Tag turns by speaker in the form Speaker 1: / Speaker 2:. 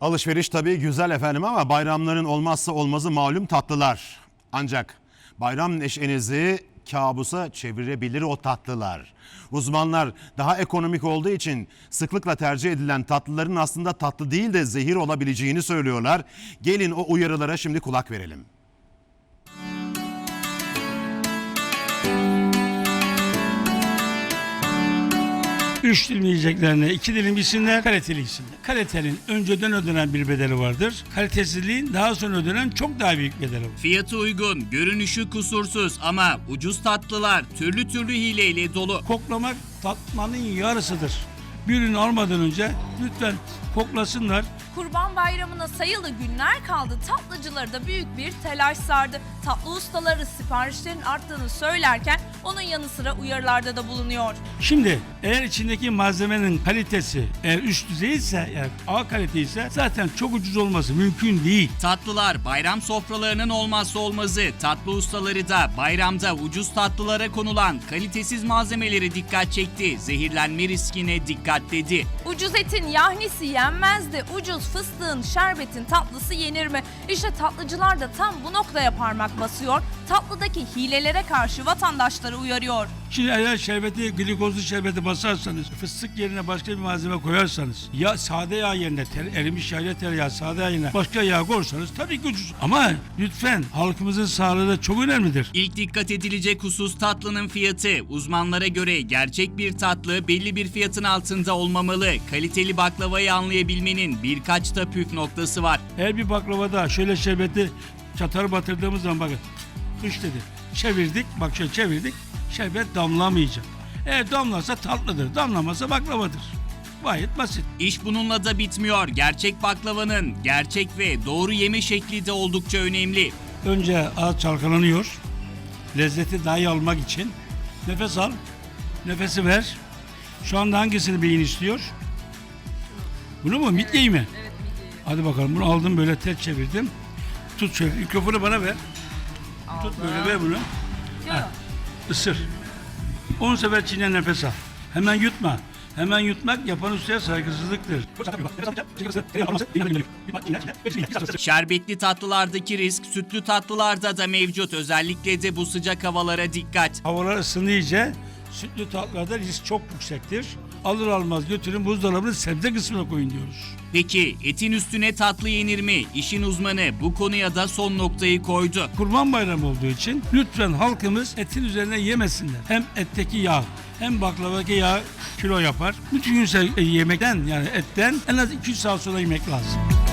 Speaker 1: Alışveriş tabii güzel efendim ama bayramların olmazsa olmazı malum tatlılar. Ancak bayram neşenizi kabusa çevirebilir o tatlılar. Uzmanlar daha ekonomik olduğu için sıklıkla tercih edilen tatlıların aslında tatlı değil de zehir olabileceğini söylüyorlar. Gelin o uyarılara şimdi kulak verelim.
Speaker 2: 3 dilim yiyeceklerine 2 dilim yesinler, kaliteli yesinler. Kalitenin önceden ödenen bir bedeli vardır. Kalitesizliğin daha sonra ödenen çok daha büyük bedeli var.
Speaker 3: Fiyatı uygun, görünüşü kusursuz ama ucuz tatlılar türlü türlü hileyle dolu.
Speaker 2: Koklamak tatmanın yarısıdır. Bir ürün almadan önce lütfen koklasınlar.
Speaker 4: Kurban Bayramı'na sayılı günler kaldı. Tatlıcıları da büyük bir telaş sardı. Tatlı ustaları siparişlerin arttığını söylerken onun yanı sıra uyarılarda da bulunuyor.
Speaker 2: Şimdi eğer içindeki malzemenin kalitesi eğer üst düzey ise, yani A kalite ise zaten çok ucuz olması mümkün değil.
Speaker 3: Tatlılar bayram sofralarının olmazsa olmazı. Tatlı ustaları da bayramda ucuz tatlılara konulan kalitesiz malzemeleri dikkat çekti. Zehirlenme riskine dikkat dedi.
Speaker 4: Ucuz etin yahnisi yenmez de ucuz fıstığın, şerbetin tatlısı yenir mi? İşte tatlıcılar da tam bu noktaya parmak basıyor. Tatlıdaki hilelere karşı vatandaşları uyarıyor.
Speaker 2: Şimdi eğer şerbeti, glikozlu şerbeti basarsanız, fıstık yerine başka bir malzeme koyarsanız, ya sade yağ yerine, erimiş yağ tereyağı, sade yağ yerine başka yağ koyarsanız tabii ki ucuz. Ama lütfen halkımızın sağlığı da çok önemlidir.
Speaker 3: İlk dikkat edilecek husus tatlının fiyatı. Uzmanlara göre gerçek bir tatlı belli bir fiyatın altında olmamalı. Kaliteli baklavayı anlayabilmenin birkaç da püf noktası var.
Speaker 2: Eğer bir baklavada şöyle şerbeti çatarı batırdığımız zaman bakın, kış dedi, çevirdik, bak şöyle çevirdik, şerbet damlamayacak. Eğer damlarsa tatlıdır, damlamazsa baklavadır. Gayet basit.
Speaker 3: İş bununla da bitmiyor. Gerçek baklavanın gerçek ve doğru yeme şekli de oldukça önemli.
Speaker 2: Önce ağız çalkalanıyor. Lezzeti daha iyi almak için. Nefes al. Nefesi ver. Şu anda hangisini beyin istiyor? Bunu mu? Midyeyi mi? Evet, midyeyi. Hadi bakalım, bunu aldım, böyle ters çevirdim. Tut şöyle, mikrofonu bana ver.
Speaker 4: Aldım.
Speaker 2: Tut böyle, ver bunu. Ha, ısır. 10 sefer çiğne, nefes al. Hemen yutma. Hemen yutmak yapan ustaya saygısızlıktır.
Speaker 3: Şerbetli tatlılardaki risk sütlü tatlılarda da mevcut. Özellikle de bu sıcak havalara dikkat.
Speaker 2: Havalar ısınınca sütlü tatlılarda risk çok yüksektir. Alır almaz götürün buzdolabının sebze kısmına koyun diyoruz.
Speaker 3: Peki etin üstüne tatlı yenir mi? İşin uzmanı bu konuya da son noktayı koydu.
Speaker 2: Kurban Bayramı olduğu için lütfen halkımız etin üzerine yemesinler. Hem etteki yağ hem baklavadaki yağ kilo yapar. Bütün gün yemekten, yani etten en az 2 saat sonra yemek lazım.